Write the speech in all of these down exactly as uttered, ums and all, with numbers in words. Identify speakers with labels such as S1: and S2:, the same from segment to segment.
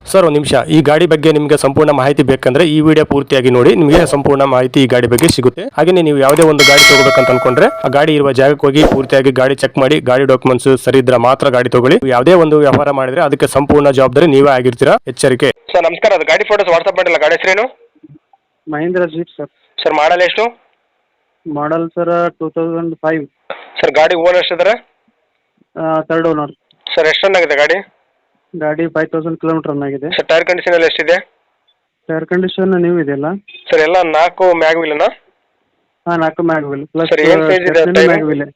S1: Sir ಒಂದು ನಿಮಿಷ, ಈ ಗಾಡಿ ಬಗ್ಗೆ ನಿಮಗೆ ಸಂಪೂರ್ಣ ಮಾಹಿತಿ ಬೇಕಂದ್ರೆ ಈ ವಿಡಿಯೋ ಪೂರ್ತಿಯಾಗಿ ನೋಡಿ, ನಿಮಗೆ ಸಂಪೂರ್ಣ ಮಾಹಿತಿ ಈ ಗಾಡಿ ಬಗ್ಗೆ ಸಿಗುತ್ತೆ. ಹಾಗೆ ನೀವು ಯಾವುದೇ ಒಂದು ಗಾಡಿ ತಗೋಬೇಕಂತ ಅನ್ಕೊಂಡ್ರೆ ಆ ಗಾಡಿ ಇರುವ ಜಾಗಕ್ಕೆ ಹೋಗಿ ಪೂರ್ತಿಯಾಗಿ ಗಾಡಿ ಚೆಕ್ ಮಾಡಿ, ಗಾಡಿ ಡಾಕ್ಯುಮೆಂಟ್ಸ್ ಸರಿ ಇದ್ರೆ ಮಾತ್ರ ಗಾಡಿ ತಗೊಳ್ಳಿ. ಯಾವುದೇ ಒಂದು ವ್ಯವಹಾರ ಮಾಡಿದ್ರೆ ಅದಕ್ಕೆ ಸಂಪೂರ್ಣ ಜವಾಬ್ದಾರಿ ನೀವೇ ಆಗಿರ್ತೀರಾ, ಎಚ್ಚರಿಕೆ.
S2: ಸರ್ ನಮಸ್ಕಾರ, ಅದು ಗಾಡಿ ಫೋಟೋಸ್ ವಾಟ್ಸ್ಆಪ್ ಮಾಡಿಲ್ಲ. ಗಾಡಿ ಹೆಸರೇನು?
S3: Mahindra jeep sir.
S2: Sir model ಎಷ್ಟು?
S3: Model sir two thousand five.
S2: Sir ಗಾಡಿ ಓನರ್ ಎಷ್ಟಿದ್ದಾರೆ?
S3: Third owner.
S2: ಸರ್ ಎಷ್ಟು ರನ್ ಆಗಿದೆ ಗಾಡಿ?
S3: ಗಾಡಿ ಫೈವ್ ತೌಸಂಡ್ ಕಿಲೋಮೀಟರ್ ರನ್ ಆಗಿದೆ.
S2: ಸರ್ ಟೈರ್ ಕಂಡೀಷನ್ ಎಲ್ಲ ಎಷ್ಟಿದೆ?
S3: ಟೈರ್ ಕಂಡೀಷನ್ ನೀವು ಇದೆಯಲ್ಲ
S2: ಸರ್ ಎಲ್ಲ ನಾಲ್ಕು ಮ್ಯಾಗ್ ವೀಲನಾ?
S3: ಹಾಂ, ನಾಲ್ಕು ಮ್ಯಾಗ್ ವೀಲ್ ಪ್ಲಸ್
S2: ಸರ್ ಏನು ಸೈಜ್ ಇದೆ ಟೈರ್?
S3: Mag wheel.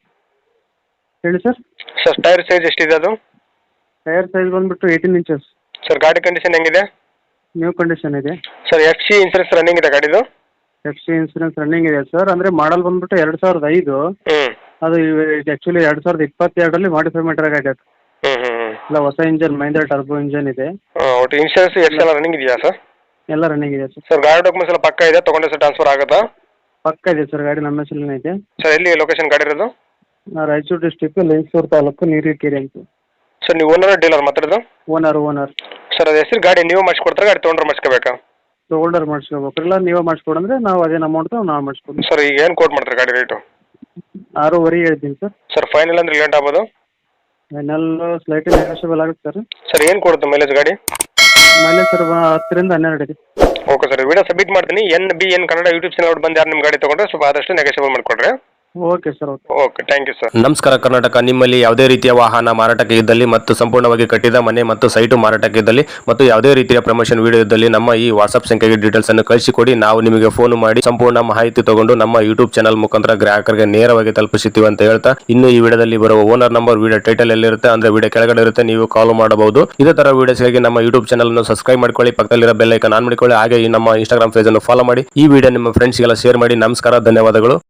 S3: ಹೇಳಿ ಸರ್.
S2: ಸರ್ ಟೈರ್ ಸೈಜ್ ಎಷ್ಟಿದೆ ಅದು?
S3: ಟೈರ್ ಸೈಜ್ ಬಂದ್ಬಿಟ್ಟು ಏಯ್ಟೀನ್ ಇಂಚಸ್.
S2: ಸರ್ ಗಾಡಿ ಕಂಡೀಷನ್ ಹೆಂಗಿದೆ?
S3: ನ್ಯೂ ಕಂಡೀಷನ್ ಇದೆ.
S2: Sir F C insurance running ಇದೆ ಗಾಡಿದು?
S3: ಎಫ್ ಸಿ ಇನ್ಸೂರೆನ್ಸ್ ರನ್ನಿಂಗ್ ಇದೆ ಸರ್. ಅಂದರೆ ಮಾಡಲ್ ಬಂದ್ಬಿಟ್ಟು ಎರಡು ಸಾವಿರದ ಐದು.
S2: ಹ್ಞೂ
S3: ಅದು ಆ್ಯಕ್ಚುಲಿ ಎರಡು ಸಾವಿರದ ಇಪ್ಪತ್ತೆರಡರಲ್ಲಿ ಮಾಡಿಫೈ ಮಾಡಿರೋ ಗಾಡಿ ಅದು.
S2: ಹ್ಞೂ ಹ್ಞೂ ಹ್ಞೂ
S3: ಇಲ್ಲ, ಹೊಸ ಇಂಜನ್, ಮಹೇಂದ್ರ ಟರ್ಬೋ ಇಂಜನ್ ಇದೆ.
S2: ಹಾಂ, ಒಟ್ಟು ಇನ್ಸೂರೆನ್ಸ್ ಎಷ್ಟು ಎಲ್ಲ ರನ್ನಿಂಗ್ ಇದೆಯಾ ಸರ್?
S3: ಎಲ್ಲ ರನ್ನಿಂಗ್ ಇದೆ ಸರ್.
S2: ಸರ್ ಗಾಡಿ ಡಾಕ್ಯುಮೆಂಟ್ಸ್ ಎಲ್ಲ ಪಕ್ಕ ಇದೆ, ತೊಗೊಂಡೆ ಸರ್ ಟ್ರಾನ್ಸ್ಫರ್ ಆಗುತ್ತಾ?
S3: ಪಕ್ಕ ಇದೆ ಸರ್, ಗಾಡಿ ನಮ್ಮ ಹೆಸರಲ್ಲೇ ಇದೆ.
S2: ಸರ್ ಎಲ್ಲಿ ಲೊಕೇಶನ್ ಗಾಡಿ ಇರೋದು?
S3: ರಾಯಚೂರು ಡಿಸ್ಟಿಕ್ ಲಿಂಗಸೂರು ತಾಲೂಕು ನೀರಿಕೆರೆ ಅಂತ.
S2: ಸರ್ ನೀವು ಓನರ್ ಡೀಲರ್ ಮಾತಾಡೋದು?
S3: ಓನರ್ ಓನರ್
S2: ಸರ್ ಅದು ಹೆಸರು ಗಾಡಿ ನೀವು ಮಾಡಿಸ್ಕೊಡ್ತಾರೆ, ಗಾಡಿ ತೊಗೊಂಡ್ರೆ ಮಾಡಿಸ್ಕೋಬೇಕಾ?
S3: ತೋಲ್ಡರ್ ಮಾಡಿಸ್ಕೋಬೇಕು, ಇಲ್ಲ ನೀವೇ ಮಾಡಿಸ್ಕೊಡಂದ್ರೆ ನಾವು ಅದೇನು ಅಮೌಂಟ್ ನಾವು ಮಾಡಿಸ್ಕೊಡ್ತೀವಿ.
S2: ಸರ್ ಈಗ ಏನು ಕೋಟ್ ಮಾಡ್ತಾರೆ ಗಾಡಿ ರೇಟು?
S3: ಆರೂವರೆ ಹೇಳ್ತೀನಿ ಸರ್.
S2: ಸರ್ ಫೈನಲ್ ಅಂದ್ರೆ ಲೇಟ್ ಆಗ್ಬೋದು?
S3: ಫೈನಲ್ ಸ್ಲೈಟ್ಲಿ ನೆಗೋಷಿಯಬಲ್ ಆಗುತ್ತೆ ಸರ್.
S2: ಸರ್ ಏನು ಕೊಡುತ್ತೆ ಮೈಲೇಜ್ ಗಾಡಿ?
S3: ಮೈಲೇಜ್ ಸರ್ ಹತ್ತರಿಂದ ಹನ್ನೆರಡು ಇದೆ.
S2: ಓಕೆ ಸರ್, ವಿಡಿಯೋ ಸಬ್ಮಿಟ್ ಮಾಡ್ತೀನಿ. N B N Kannada YouTube channel ಬಂದು ಯಾರು ನಿಮ್ಮ ಗಾಡಿ ತೊಗೊಂಡ್ರೆ ಸ್ವಲ್ಪ ಆದಷ್ಟು ನೆಗೋಷಿಯಬಲ್ ಮಾಡಿಕೊಡ್ರಿ.
S3: Okay sir. Okay
S2: okay, thank you sir.
S1: ನಮಸ್ಕಾರ ಕರ್ನಾಟಕ. ನಿಮ್ಮಲ್ಲಿ ಯಾವುದೇ ರೀತಿಯ ವಾಹನ ಮಾರಾಟಕ್ಕೆ ಇದ್ದಲ್ಲಿ ಮತ್ತು ಸಂಪೂರ್ಣವಾಗಿ ಕಟ್ಟಿದ ಮನೆ ಮತ್ತು ಸೈಟು ಮಾರಾಟಕ್ಕೆ ಇದ್ದಲ್ಲಿ ಮತ್ತು ಯಾವುದೇ ರೀತಿಯ ಪ್ರಮೋಷನ್ ವಿಡಿಯೋ ಇದ್ದಲ್ಲಿ ನಮ್ಮ ಈ ವಾಟ್ಸ್ಆಪ್ ಸಂಖ್ಯೆಗೆ ಡೀಟೇಲ್ಸ್ ಅನ್ನು ಕಳಿಸಿಕೊಡಿ. ನಾವು ನಿಮಗೆ ಫೋನ್ ಮಾಡಿ ಸಂಪೂರ್ಣ ಮಾಹಿತಿ ತಗೊಂಡು ನಮ್ಮ ಯೂಟ್ಯೂಬ್ ಚಾನಲ್ ಮುಖಾಂತರ ಗ್ರಾಹಕರಿಗೆ ನೇರವಾಗಿ ತಲುಪಿಸುತ್ತೀವಿ ಅಂತ ಹೇಳ್ತಾ, ಇನ್ನು ಈ ವಿಡಿಯೋದಲ್ಲಿ ಬರುವ ಓನರ್ ನಂಬರ್ ವಿಡಿಯೋ ಟೈಟಲ್ ಎಲ್ಲಿರುತ್ತೆ ಅಂದ್ರೆ ವಿಡಿಯೋ ಕೆಳಗಡೆ ಇರುತ್ತೆ, ನೀವು ಕಾಲ್ ಮಾಡಬಹುದು. ಇದೇ ತರ ವಿಡಿಯೋಸ್ಗಾಗಿ ನಮ್ಮ ಯೂಟ್ಯೂಬ್ ಚಾನಲ್ ಅನ್ನು ಸಬ್ಸ್ಕ್ರೈಬ್ ಮಾಡ್ಕೊಳ್ಳಿ, ಪಕ್ಕದಲ್ಲಿರೋ ಬೆಲ್ ಐಕಾನ್ ಆನ್ ಮಾಡಿಕೊಳ್ಳಿ. ಹಾಗೆ ಈ ನಮ್ಮ ಇನ್ಸ್ಟಾಗ್ರಾಮ್ ಪೇಜ್ ಅನ್ನು ಫಾಲೋ ಮಾಡಿ, ಈ ವಿಡಿಯೋ ನಿಮ್ಮ ಫ್ರೆಂಡ್ಸ್ಗೆಲ್ಲ ಶೇರ್ ಮಾಡಿ. ನಮಸ್ಕಾರ, ಧನ್ಯವಾದಗಳು.